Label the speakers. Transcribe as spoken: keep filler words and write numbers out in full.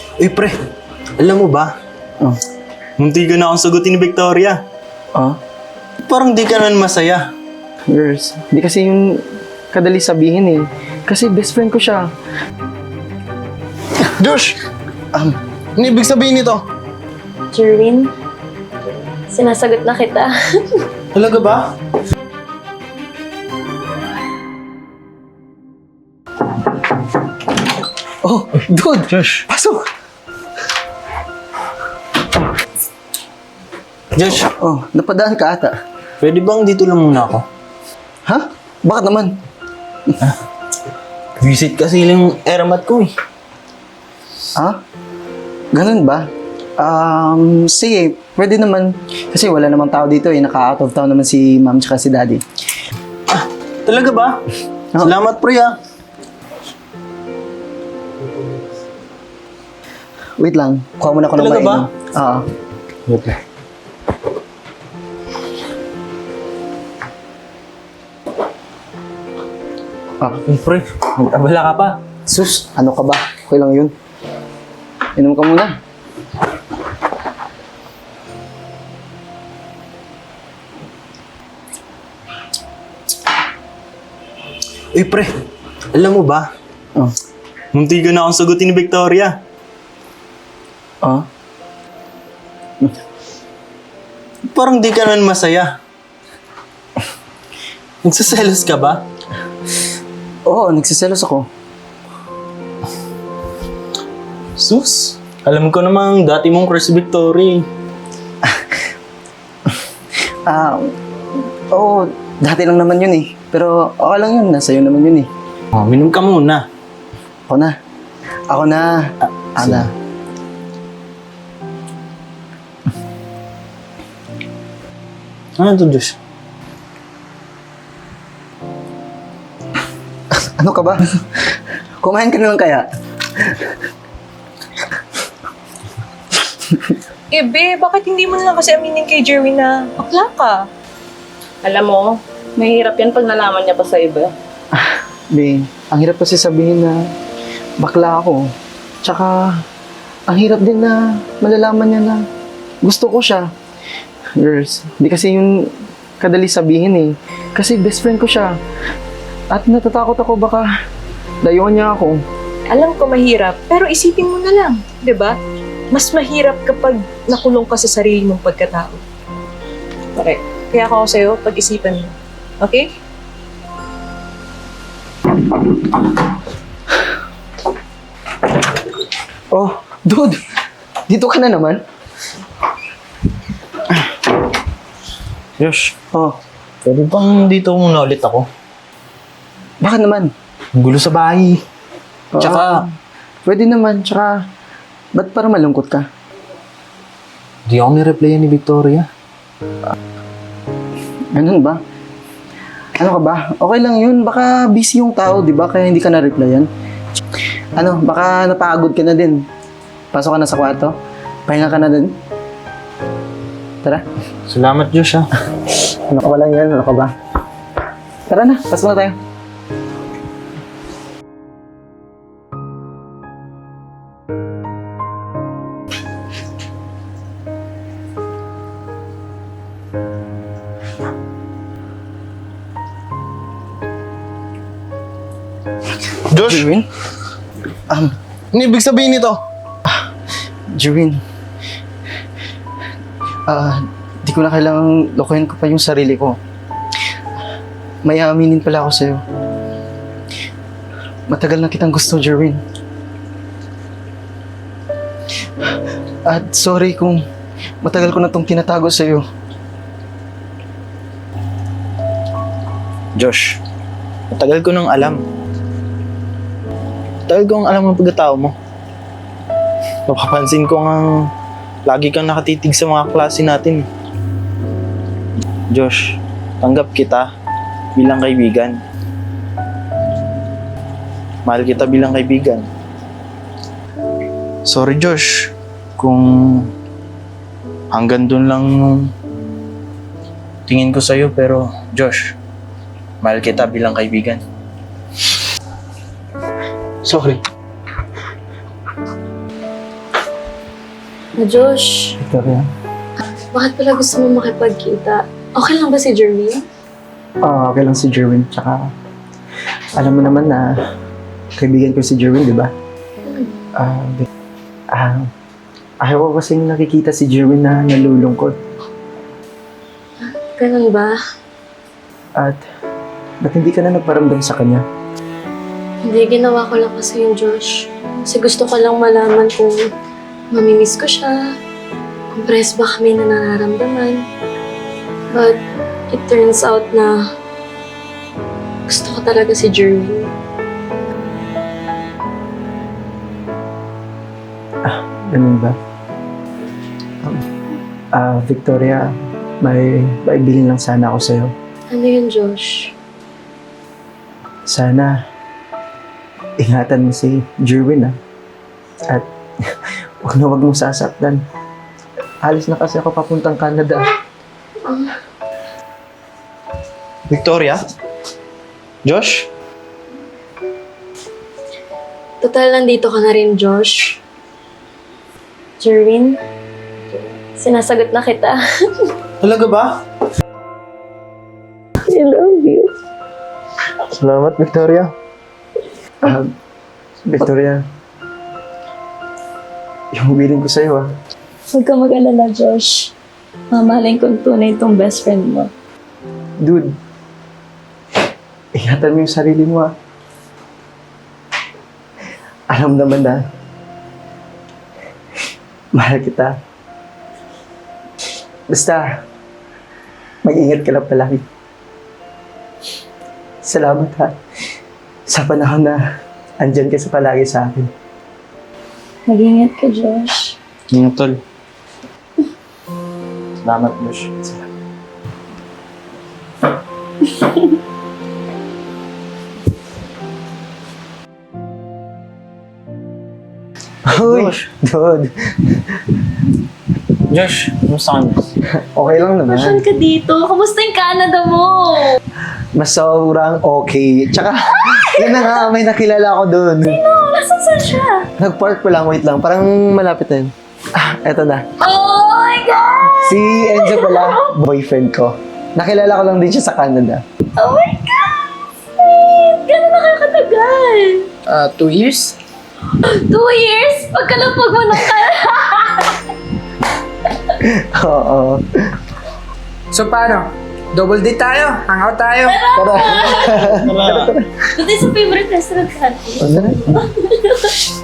Speaker 1: Uy, pre. Alam mo ba?
Speaker 2: Oh.
Speaker 1: Munti ka na akong sagutin ni Victoria.
Speaker 2: Oh?
Speaker 1: Parang di ka naman masaya.
Speaker 2: Girls, di kasi yung kadali sabihin eh. Kasi best friend ko siya.
Speaker 3: Josh! Um, ano ibig sabihin nito?
Speaker 4: Jerwin, sinasagot na kita.
Speaker 1: Talaga ba?
Speaker 2: Oh, dude!
Speaker 1: Josh.
Speaker 2: Pasok!
Speaker 1: Josh,
Speaker 2: Oh, napadaan ka ata.
Speaker 1: pwede bang dito lang muna ako?
Speaker 2: Ha? Bakit naman?
Speaker 1: Visit kasi yung eramat ko eh.
Speaker 2: Ha? Ganun ba? Um, sige, pwede naman. Kasi wala namang tao dito eh. Naka-out of town naman si ma'am tsaka si daddy.
Speaker 1: Talaga ba?
Speaker 2: Oo.
Speaker 1: Salamat, pre ah.
Speaker 2: Wait lang, kuha muna ako ng
Speaker 1: Talaga ba?
Speaker 2: mainom. Oo.
Speaker 1: Wait lang.
Speaker 2: Ah,
Speaker 1: Uy, pre, mag-abala ka pa.
Speaker 2: sus, ano ka ba? Okay lang yun. Inom ka muna.
Speaker 1: Uy, pre. Alam mo ba?
Speaker 2: Oh.
Speaker 1: Munti ka na akong sagutin ni Victoria.
Speaker 2: Oh?
Speaker 1: Parang di ka naman masaya. Nagsaselos ka ba?
Speaker 2: Oo, nagsiselos ako.
Speaker 1: Sus, alam ko namang dati mong crush si Victoria.
Speaker 2: Ah, oo, dati lang naman yun eh. Pero okay lang yun, nasa iyo naman yun eh.
Speaker 1: Oh, minom ka muna.
Speaker 2: Ako na. Ako na. Ako na.
Speaker 1: Ano to, Josh?
Speaker 2: Ano ka ba? Kumain ka na lang kaya?
Speaker 5: Eh, be, bakit hindi mo na lang kasi aminin kay Jerwin na bakla ka?
Speaker 6: Alam mo, mahirap yan pag nalaman niya pa sa iba.
Speaker 2: Be, ang hirap kasi sabihin na bakla ako. Tsaka, ang hirap din na malalaman niya na gusto ko siya. Girls, di kasi yung kadali sabihin eh. Kasi best friend ko siya. At natatakot ako baka dayuan niya ako.
Speaker 5: Alam ko mahirap, pero isipin mo na lang, 'di ba? Mas mahirap kapag nakulong ka sa sarili mong pagkatao. Correct. Kaya ako sa'yo, pag-isipan mo. Okay?
Speaker 2: Oh, dude! Dito ka na naman?
Speaker 1: Josh,
Speaker 2: Oh,
Speaker 1: pwede bang dito muna ulit ako?
Speaker 2: bakit naman?
Speaker 1: Ang gulo sa bahay. Tsaka,
Speaker 2: Ah, pwede naman, tsaka, ba't parang malungkot ka?
Speaker 1: di ako ni-replyan ni Victoria.
Speaker 2: Ganun ba? Ano ka ba? Okay lang yun. Baka busy yung tao, di ba? Kaya hindi ka na-replyan. Ano, baka napagod ka na din. Pasok ka na sa kwarto. Pahinga ka na din. Tara.
Speaker 1: Salamat, Josh ah.
Speaker 2: Ano ka ba lang yan? Ano ka ba? Tara na, pasok na tayo.
Speaker 3: Josh!
Speaker 2: Jerwin? Um,
Speaker 3: Ano ibig sabihin nito?
Speaker 2: Jerwin. Ah, di ko na kailangang lokohin ko pa yung sarili ko. May aaminin pala ako sa'yo. Matagal na kitang gusto, Jerwin. At sorry kung matagal ko na itong tinatago sa'yo.
Speaker 1: Josh, matagal ko nang alam. Matagal ko ang alam ng pagkatao mo. Napapansin ko ngang lagi kang nakatitig sa mga klase natin. Josh, tanggap kita bilang kaibigan. Mahal kita bilang kaibigan. Sorry, Josh, kung hanggang dun lang tingin ko sa'yo, pero Josh, mahal kita bilang kaibigan.
Speaker 2: Sorry.
Speaker 4: Na Josh,
Speaker 2: Victoria?
Speaker 4: bakit pala gusto mo makipagkita? Okay lang ba si Jerwin?
Speaker 2: Oo, okay lang si Jerwin. Tsaka, alam mo naman na kaibigan ko si Jerwin, di ba? Ah, Vic- ah, ayaw ko kasing nakikita si Jerwin na nalulungkot.
Speaker 4: Ganun ba?
Speaker 2: At, ba't hindi ka na nagparamdam sa kanya?
Speaker 4: Hindi, ginawa ko lang kasi yung Josh. Kasi gusto ko lang malaman kung mamimiss ko siya, kung press ba kami na nararamdaman. But, it turns out na gusto ko talaga si Jerwin.
Speaker 2: Ganun ba? Um, Ah, Victoria, may baibilin lang sana ako sa'yo.
Speaker 4: Ano yun, Josh?
Speaker 2: Sana, ingatan mo si Jerwin, ah. At, huwag na huwag mong sasaktan. Alis na kasi ako papuntang Canada.
Speaker 3: Victoria? Josh?
Speaker 4: Total, nandito ka na rin, Josh. Jerwin, sinasagot na kita.
Speaker 3: Talaga ba?
Speaker 4: I love you.
Speaker 3: Salamat, Victoria.
Speaker 2: Ah, Victoria, yung willing ko sa'yo, ah.
Speaker 4: Huwag ka mag-alala, Josh. Mamahalin kong tunay itong best friend mo.
Speaker 2: Dude, ingatan mo yung sarili mo, ah. Alam naman na, mahal kita. Basta, mag-ingat ka lang palagi. Salamat, ha. Sa panahon na andyan ka sa palagi sa akin.
Speaker 4: Mag-ingat ka, Josh.
Speaker 1: Ingat, tol. Salamat, Josh.
Speaker 2: Uy, dude.
Speaker 1: Josh, kumusta ka na?
Speaker 2: Okay lang naman.
Speaker 4: Saan ka dito? Kamusta yung Canada mo?
Speaker 2: Mas sobrang okay. Tsaka, yun na nga, may nakilala ko doon.
Speaker 4: Oh, nasan saan siya?
Speaker 2: Nag-park pa lang, wait lang. Parang malapit na yun. Ah, eto na.
Speaker 4: Oh my God!
Speaker 2: Si Enzo pala, boyfriend ko. Nakilala ko lang din siya sa Canada.
Speaker 4: Oh my God! Sweet! Gano'n na kayo katagal?
Speaker 7: Ah, two years?
Speaker 4: Two years? Pagkalapag mo ng Canada!
Speaker 2: Oo.
Speaker 7: So paano? Double date tayo? Hangout tayo?
Speaker 2: Tara.
Speaker 4: Doon sa favorite restaurant natin.
Speaker 2: Ano na?